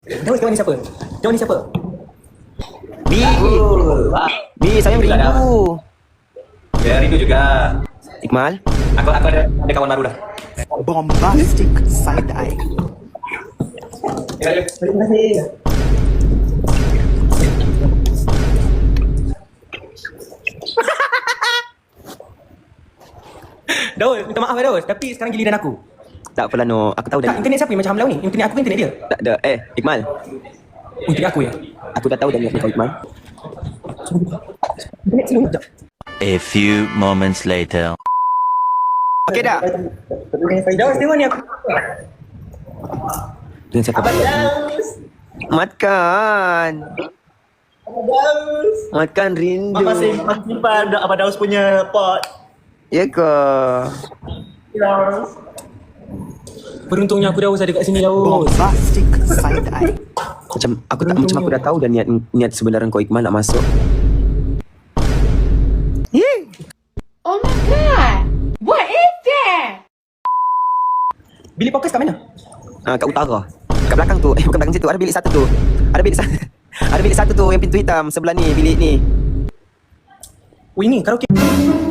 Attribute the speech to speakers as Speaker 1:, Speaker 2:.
Speaker 1: Jawab ni siapa? Jawab ni siapa?
Speaker 2: Bi. Bi, saya rindu.
Speaker 3: Ya, rindu juga.
Speaker 2: Iqmal.
Speaker 3: Aku ada kawan baru dah.
Speaker 4: Bombastic side eye.
Speaker 1: Terima kasih. Daus, minta maaf Daus, tapi sekarang giliran aku.
Speaker 2: Tak apalah No, aku tahu
Speaker 1: Tak,
Speaker 2: dah.
Speaker 1: internet siapa yang macam Hamlau ni? Internet aku ke internet dia?
Speaker 2: Tak ada. Iqmal.
Speaker 1: Internet aku ya?
Speaker 2: Aku dah tahu dah niat kau Iqmal.
Speaker 1: Internet selalu sekejap.
Speaker 5: A few moments later.
Speaker 2: Okey dah.
Speaker 1: Daus, tengok ni aku.
Speaker 2: Dengan siapa? Matkan. Matkan rindu.
Speaker 4: Masih simpan Abang Daus punya pot.
Speaker 2: Ya ke?
Speaker 1: Beruntungnya aku Daus ada kat sini Daus.
Speaker 4: Bombastic side eye.
Speaker 2: Macam aku dah tahu dah niat sebenarnya kau Iqmal nak masuk.
Speaker 6: Oh my god! What is that?
Speaker 1: Bilik podcast kat mana?
Speaker 2: Kat utara. Kat belakang tu. Bukan belakang situ. Ada bilik satu tu. Ada bilik satu tu yang pintu hitam sebelah ni, bilik ni.
Speaker 1: Oh ini karaoke.